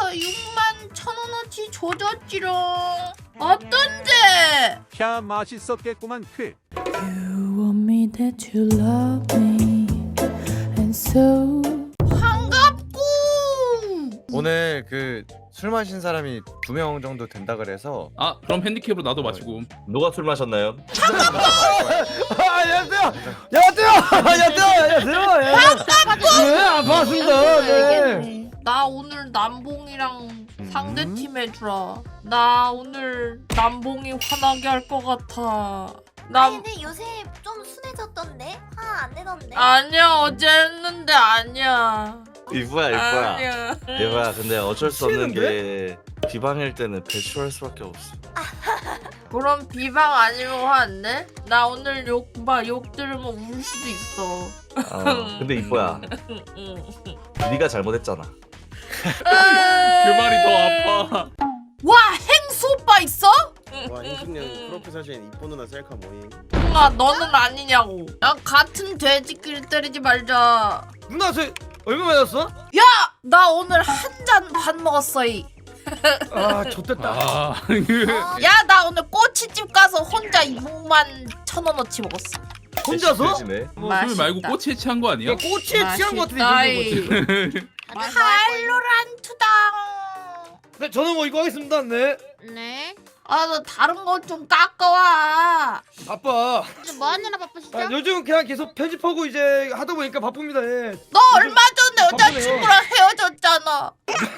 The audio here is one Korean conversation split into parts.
6만 1,000원어치 조졌지롱. 어떤데? 캬 맛있었겠구만 퀴. You want me that you love me and so 반갑고. 오늘 그 술 마신 사람이 2명 정도 된다 그래서 아 그럼 핸디캡으로 나도 마시고. 누가 술 마셨나요? 안녕하세요. 반갑습니다. 네. 나 오늘 남봉이랑 상대팀 해주라. 나 오늘 남봉이 화나게 할 것 같아. 아니 근데 요새 좀 순해졌던데? 화 안 내던데? 아니야 어제 했는데 아니야. 이거야. 아니야. 이거야. 근데 어쩔 수 없는 게 비방일 때는 배출할 수밖에 없어. 그럼 비방 아니면 화 안 내? 나 오늘 욕 들으면 울 수도 있어. 근데 이뻐야. 네가 잘못했잖아. 그 말이 더 아파. 와 행수 오빠 있어? 와 인숙님 프로필 사진 이쁜 누나 셀카 모임. 누나 너는 아니냐고. 야 같은 돼지끼리 때리지 말자. 누나 저 얼마 맞았어? 야 나 오늘 한 잔 반 먹었어 이. 아 좋댔다. 아 야 나 오늘 꼬치집 가서 혼자 6만 1,000원어치 먹었어. 혼자서? 대신에 술 말고 꼬치에 취한 거 아니야? 야 꼬치에 취한 거 같은데 맛있다, 이거 거지. 칼로란투당. 네 저는 뭐 이거 하겠습니다. 네. 네. 아 너 다른 거 좀 깎아와. 바빠. 뭐 하느라 바쁘시죠? 아, 요즘 그냥 계속 편집하고 이제 하다 보니까 바쁩니다. 예. 너 얼마 전에 여자친구랑 헤어졌잖아.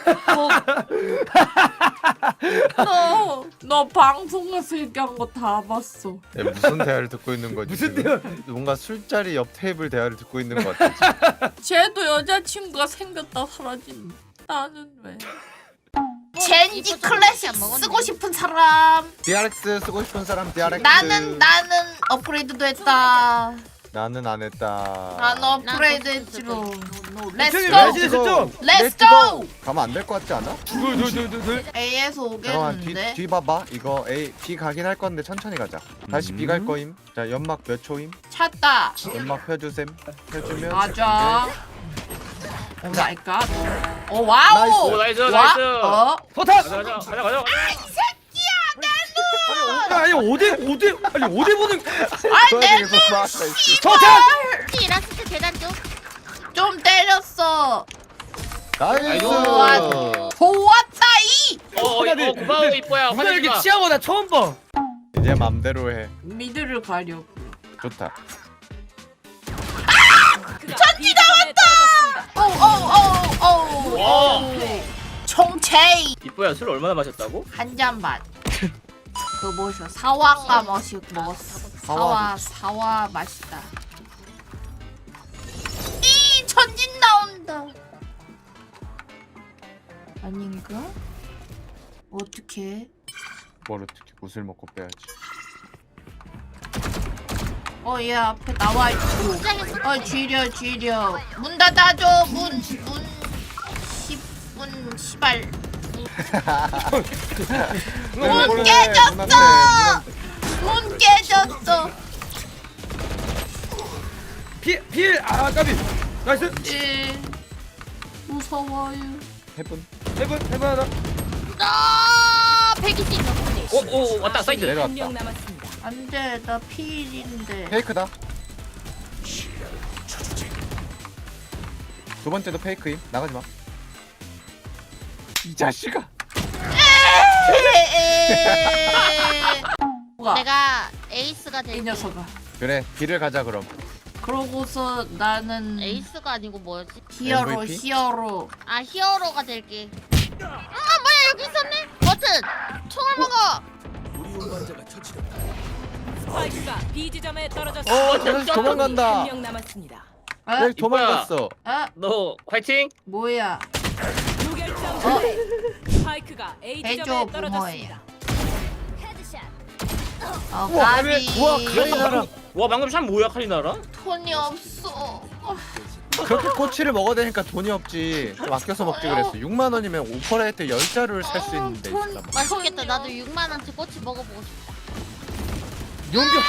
너 방송에서 얘기한 거 다 봤어. 야, 무슨 대화를 듣고 있는 거지? 무슨 지금? 뭔가 술자리 옆 테이블 대화를 듣고 있는 것 같아. 쟤도 여자친구가 생겼다 사라진. 나는 왜? 젠지 클래식 쓰고 싶은 사람. DRX 쓰고 싶은 사람 DRX. 나는 업그레이드도 했다. 나는 안 했다. 난 업그레이드 했지롱. 형님 렛츠고. 레지됐죠? 렛츠고. 가면 안 될 것 같지 않아? 둘. A에서 잠깐만 오겠는데. 뒤 봐봐. 이거 A B 가긴 할 건데 천천히 가자. 다시 B 갈 거임. 자 연막 몇 초임? 찾다. 연막 펴주셈. 펴주면. 맞아. 오 마이 갓. 오 와우. 나이스. 나이스. 포탑. 가자. 아니 5대 아니 5대 보는. 아이 내 포탑. 이라스트 계단 쪽. 좀 때렸어. 나이스. 좋았다 이. 고마워 이뻐야. 누나 이렇게 취한 거 나 처음 봐. 이제 맘대로 해. 미드를 가려고. 좋다. 전지 나왔다. 오. 총체이. 이뻐야 술 얼마나 마셨다고? 한 잔 반. 그 뭐셔 사와가 먹었어. 사와 맛있다. 이 전진 나온다. 아닌가? 어떻게? 뭘 어떻게 구슬 먹고 빼야지. 얘 앞에 나와 있고. 쥐려. 문 닫아줘. 문 10분 시발. 문 깨졌어. 문 깨졌어. 필 까비. 나이스. 무서워요. 해분 하나. 아 120 넘네. 오 왔다 사이드. 내려왔다. 안돼 나 필인데. 페이크다. 두 번째도 페이크임. 나가지 마. 이 자식아. 뭐가? 내가 에이스가 이 될게. 녀석아. 그래 B를 가자 그럼. 그러고서 나는 에이스가 아니고 뭐였지? 히어로. 아 히어로가 될게. 아 뭐야 여기 있었네. 버튼. 총을 먹어. 스파이크가 B 지점에 떨어졌습니다. 저 녀석 도망간다. 1명 남았습니다. 왜 도망갔어? 너 화이팅. 뭐야? 무결점 플레이. 스파이크가 A 해줘 지점에 부모야. 떨어졌습니다. 까비. 우와 카리나라. 와 방금 참 뭐야 카리나라? 돈이 없어. 그렇게 꼬치를 먹어야 되니까 돈이 없지. 좀 아껴서 먹지 그랬어. 6만 원이면 오퍼레이트 10자루를 살 수 있는데. 돈 진짜. 맛있겠다. 나도 6만 원치 꼬치 먹어보고 싶다. 용병.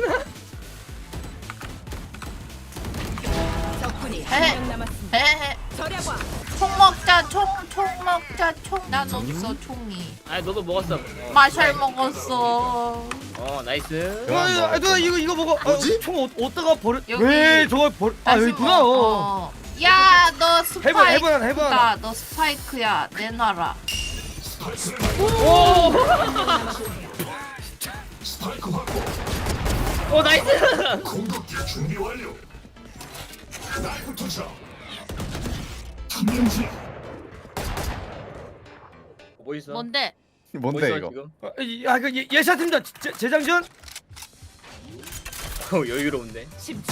적군이 헤헤. 1명 남았습니다. 헤헤. 총 먹자 총 먹자 총. 난 없어 총이. 아 너도 먹었어. 마샬 먹었어. 나이스. 누나 이거 먹어. 뭐지? 총 어디다가 버려? 여기. 왜 저걸 버려? 여기 있구나. 야, 너 스파이크다. 해봐. 너 스파이크야. 내놔라. 나이스. 뭐 있어? 뭔데? 뭐 뭔데 있어, 이거? 지금? 아, 그 예샷입니다. 재장전. 여유로운데.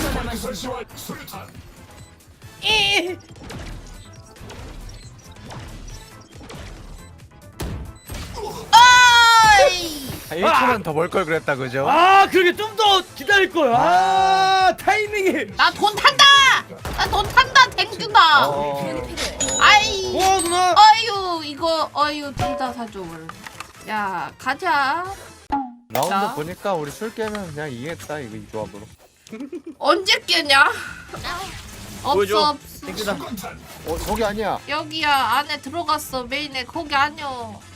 어이! 1초만 더 벌 걸 그랬다 그죠? 아, 그러게 좀 더 기다릴 걸. 타이밍이. 나 돈 탄다! 나 돈 탄다, 댕준아! 아이! 와, 누나. 어휴, 이거, 둘 다 사줘. 야, 가자. 라운드 자. 보니까 우리 술 깨면 그냥 이기겠다 이거 이 조합으로. 언제 깨냐? 보여줘. 없어. 땡큐다. 거기 아니야. 여기야, 안에 들어갔어. 메인에. 거기 아니야.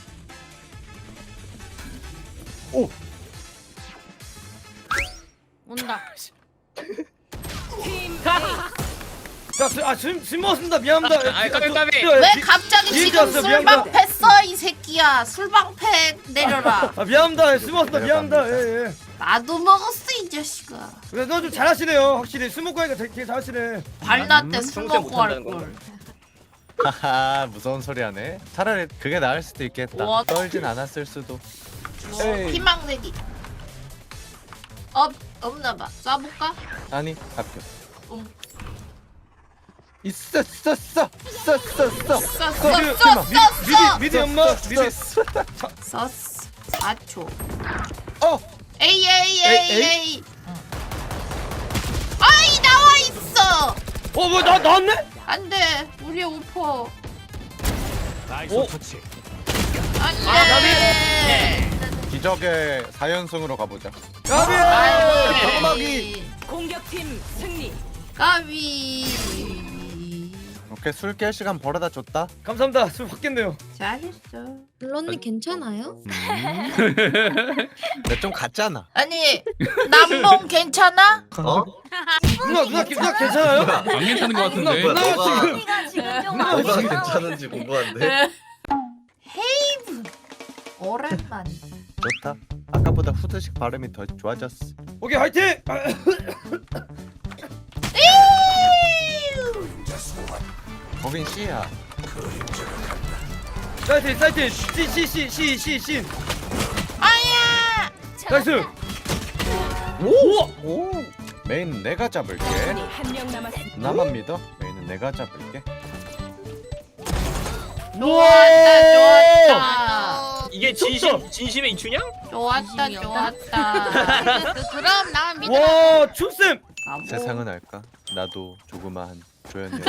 온다. 술 먹었습니다. 미안합니다. 까비. 왜 갑자기 뒤에 지금 들어왔어, 미안하다. 술방패 써, 이 새끼야. 술방패 내려라. 미안합니다. 술 먹었습니다. 미안합니다. 내려갑니다. 예. 나도 먹었어, 이 자식아. 그래, 너좀 잘하시네요. 확실히 술 먹고 하니까 되게 잘하시네. 발라 때술 평소에 먹고 할 못한다는 걸. 하하 무서운 소리 하네. 차라리 그게 나을 수도 있겠다. 뭐? 떨진 않았을 수도. 에이. 희망내기. 없나봐. 쏴볼까? 아니 합격. 응. 있어. 써. 미디 엄마. 미디. 서스 4초. 어. 에이. 아이 나와 있어. 뭐 나왔네? 안돼. 우리 오퍼. 나이스 오. 터치. 안돼. 기적의 4연승으로 가보자. 가비. 아이. 공격팀 승리. 까비. 오케이 술 깰 시간 벌어다 줬다. 감사합니다. 술 받겠네요. 잘했어. 블론님 괜찮아요? 근데 좀 같잖아. 아니 남봉 괜찮아? 어? 누나 괜찮아요? 안 괜찮은 것 같은데. 누나 너가 지금 뭐가 괜찮은지 궁금한데. 헤이브. 오랜만. 좋다. 아까보다 후드식 발음이 더 좋아졌어. 오케이 화이팅. 거긴 C야. 사이트 C. 아야. 나이스. 오. 메인 내가 잡을게. 한명 남았습니다. 나만 믿어. 메인은 내가 잡을게. 좋았다. 이게 진심의 이춘향? 좋았다. 그럼 나만 믿어. 와, 춤쌤. 세상은 알까? 나도 조그마한 조연이야.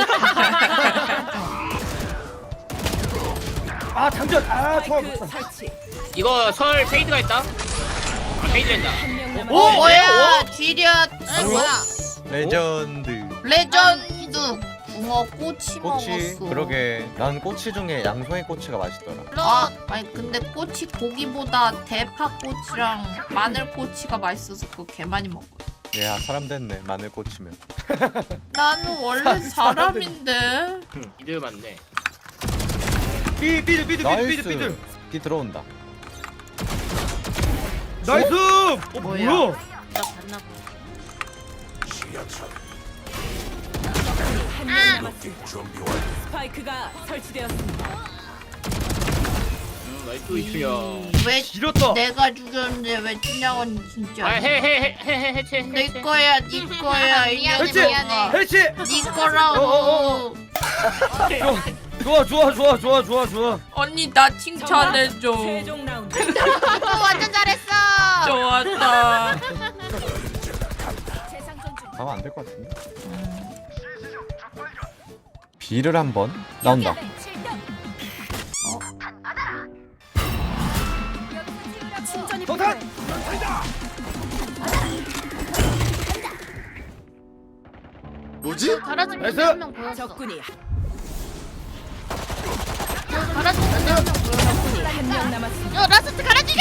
아, 장전. 좋아. 그 설치. 이거 설 페이드가 있다. 페이드 된다. 한명 남았습니다. 오 뭐야? 쥐렸. 뭐야? 레전드. 레전드. 붕어 꼬치 꼬치. 먹었어. 그러게. 난 꼬치 중에 양송이 꼬치가 맛있더라. 아니 근데 꼬치 고기보다 대파 꼬치랑 마늘 꼬치가 맛있어서 그거 개 많이 먹어. 야 사람 됐네. 마늘 꼬치면. 나는 원래 사람인데. 이들 맞네. 삐들. 나이스. 비 들어온다. 나이스. 뭐야? 뭐야? 나 봤나 봐. 한명 남았습니다. 스파이크가 설치되었습니다. 나이스 이춘향. 왜 길었다. 내가 죽였는데 왜 춘향은 진짜? 해체. 내 거야, 네 거야. 이 미안해, 녀석아. 미안해. 해치. 네 거라고. 좋아. 언니 나 칭찬해줘. 최종 라운드. 완전 잘했어. 좋았다. 가면 안 될 것 같은데. B를 한번 나온다. 동탄. 뭐지? 잘하지 나이스. 한명 보였어. 적군이 한 명 남았습니다. 요 라스트 가라지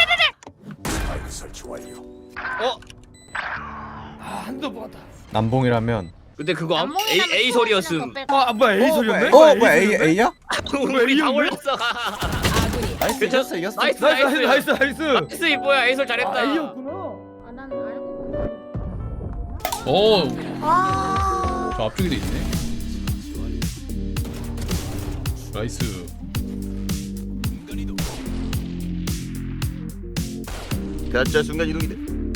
한도 먹었다. 남봉이라면 근데 그거 A 소리였음. 아 뭐야 A 소리였네? 뭐야 A야? 우리 다 올렸어. 아군이 나이스 괜찮았어. 이겼어 나이스 나이스. 나이스 이 뭐야 A 소리 잘했다. A였구나. 아난 알고 오, 와. 저 앞쪽에도 있네. 나이스. 가짜 순간 이동이 돼.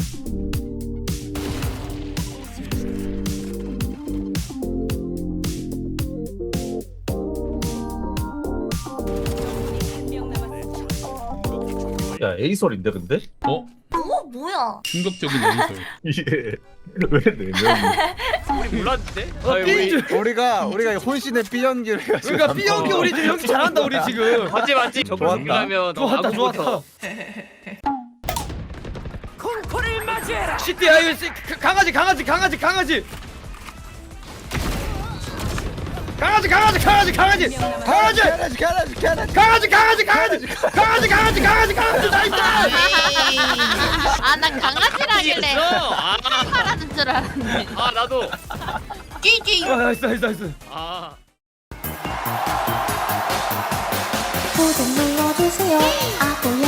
한명 남았습니다. 야 에이설인데 근데? 어? 뭐야? 충격적인 에이솔. 이게 왜네 명이? 우리 몰랐는데? 삐. 우리가 혼신의 B 연기를 해가지고 그러니까 B 연기 우리 지금 연기 잘한다 우리 지금. 맞지. 저걸 좋았다. 준비하면 좋았다 좋았다. 시티야 이거 강아지. 아난 강아지라길래 아, 파라는 줄 알았네. 아 나도. 끼끼. 나이스. 아. 구독 눌러주세요. 아구